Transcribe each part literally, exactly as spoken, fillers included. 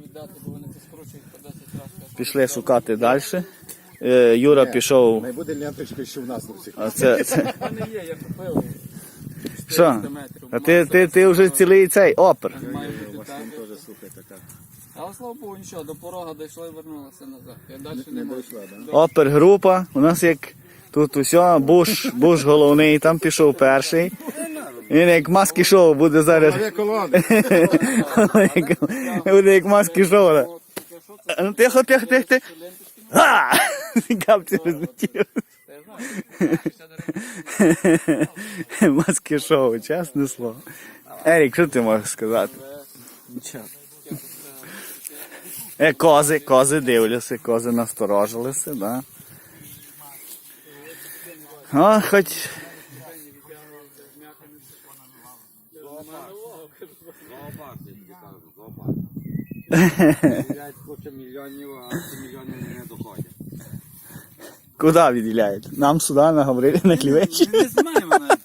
віддати, бо вони це скручують по десять разів. Пішли шукати далі. Е, Юра пішов. Не буде ленточки, що в нас до всіх. А це, це... Вони є, я купив. Що? А ти, ти, ти вже цілий цей опер. Має бути так. Теж, слухай, така. Але слава Богу, нічого, до порога дійшло і вернулося назад. Я далі не Не можу. дійшла, да? Опер група. У нас як тут усе, Буш, Буш головний, там пішов перший. Він як маски шоу буде зараз. Дві колони. Буде як маски шоу. Ну тихо, тихо, тихо, тихо. Га! Капці розлетів. Маски шоу, чесне слово. Ерік, що ти можеш сказати? Нічого. Е, кози, кози дивляться, кози насторожилися, да. О, хоч... Мільйонів, а ці мільйони не доходять. Куди відділяють? Нам сюди наговорили на клівечі. Не знаємо навіть.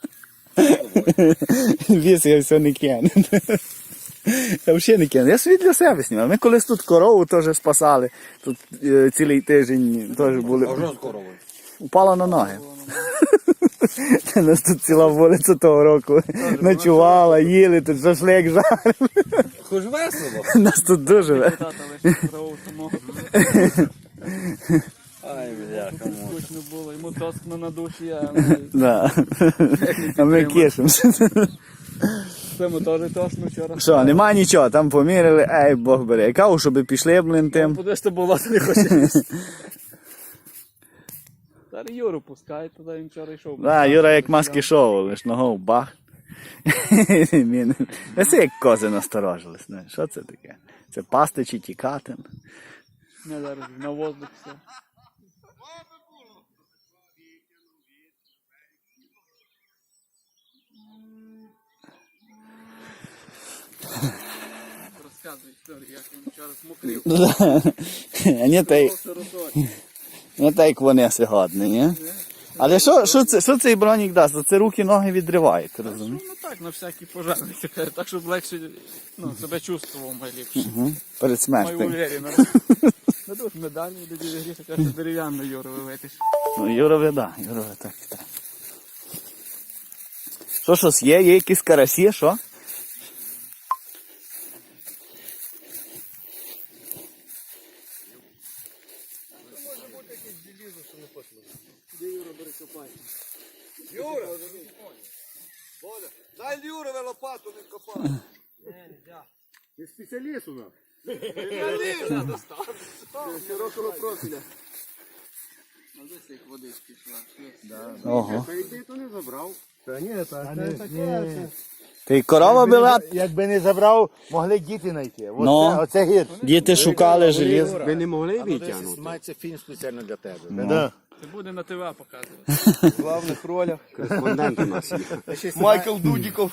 Віз я все не кину. Я взагалі не кину. Я собі для себе знімав. Ми колись тут корову теж спасали. Тут е, цілий тиждень теж були. А що з коровою? Упала на ноги. У нас тут ціла вулиця того року ночувала, їли, тут шашлик жарили. Хоч весело. Нас тут дуже весело. Тата лише корову самого. Ай, бляха, Скучно було, йому тоскно на душі, а ми... Да. А ми кишимося. Цьому теж тосно вчора. Що, нема нічого, там поміряли, ей, Бог бере. Я кажу, щоб пішли, блин, тим. Подивись, то було, то не хочеш. Зараз Юру пускай, туди він вчора йшов. Да, Юра як маски шоу, лиш ногу бах. Він- Це як кози насторожились. знаєш, Що це таке? Це пасти чи тікати? Не зараз на воздух все. Розказуй історію, як він вчора смокрив. А не так, не так як вони сьогодні, ні? Але що, що, це, що цей бронік дасть? Це руки, ноги відриває, ти розумієш? Ну так, на всякий пожарний, так, щоб легше ну, себе чувствував найліпше. Угу. Перед Маю смертю. уверенно. Дадуть медалі, до діда Гріша, каже, дерев'яну Юру вивитиш. Ну, Юрове, да, Юрове так і так. Що щось є? Є якісь карасі, що? Юра! Боля, дай Юрове лопату не копати. Ти спеціаліст у нас. Широкого профіля. Ну, десь як водички йшла. Ого. Та йди, то не забрав. Та ні, та це таке. Ти корова була? Якби не забрав, могли діти знайти. Оце, Ну. оце гірше. Діти шукали желізо. Ви не могли витягнути? Мається фільм спеціально для тебе. Ну. Це буде на ТВ показувати. В главних ролях. Кореспондент у нас є. Майкл Дудіков.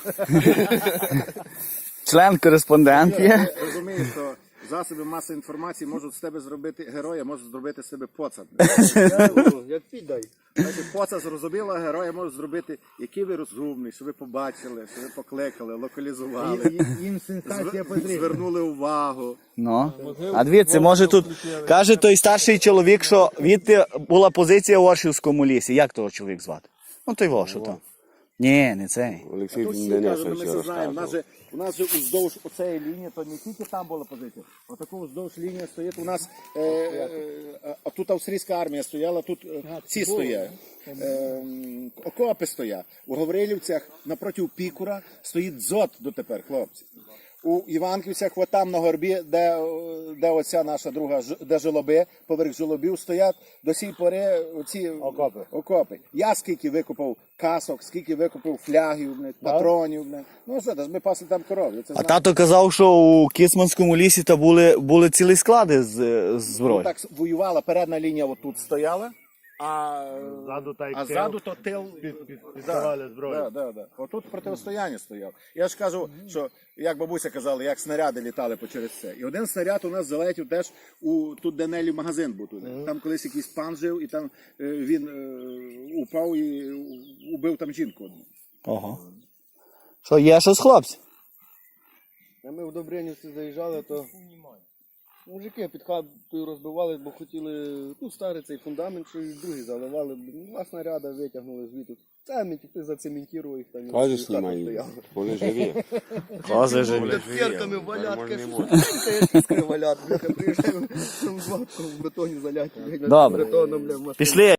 Член-кореспондент є. Ти розумієш, що засоби масової інформації можуть з тебе зробити героя, можуть зробити з себе поца. Як піддай. Значить, поца зрозуміла, героя можуть зробити, який ви розумний, що ви побачили, що ви покликали, локалізували, Їм сенсація зв- потрібна. звернули увагу. Ну. А дивіться, може тут, каже той старший чоловік, що відти була позиція в Оршівському лісі. Як того чоловік звати? Ну той во, що там. Ні, не цей. Олексій Денисович ми це знаємо. У нас же, у нас же уздовж оцеї лінії, то не тільки там була позиція. Отаку уздовж лінії стоїть у нас, е, е, а тут австрійська армія стояла, тут е, ці стоять. Е, окопи стоять. У Гаврилівцях напроти Пікура стоїть дзот дотепер, хлопці. У Іванківцях, от там на горбі, де, де оця наша друга, ж- де жолоби, поверх жолобів стоять, до сій пори оці Окопи. окопи. Я скільки викупав касок, скільки викупив флягів, блядь, патронів. Блядь. Ну що, ж ми пасли там коров. я Це А знаю. тато казав, що у Кіцманському лісі та були, були цілі склади з, з зброї. Так воювала, передна лінія отут стояла, а, Ззаду та й а тил. ззаду то тил. Піддавали зброю. Да, да, да. Отут протистояння стояв. Я ж кажу, що, як бабуся казала, як снаряди літали по через це. І один снаряд у нас залетів теж у тут, де Нелі магазин був туди. Там колись якийсь пан жив, і там е, він е, упав і убив там жінку одну. Ого. Що, є щось, хлопці? А ми в Добринівці заїжджали, то мужики під хатою розбивали, бо хотіли, ну, старий цей фундамент, що і другий заливали. Два снаряда витягнули звідти. Самі тільки зацементували їх там. Кажеш, хата знімай, стояла. вони живі. Кози живі. Тут перками валят, Можна, каже, можна. що я тіскаю валят. Бляха, приїжджаю, там з ватком в бетоні заляті. Добре. Бетоном, бля, в машині. Пішли.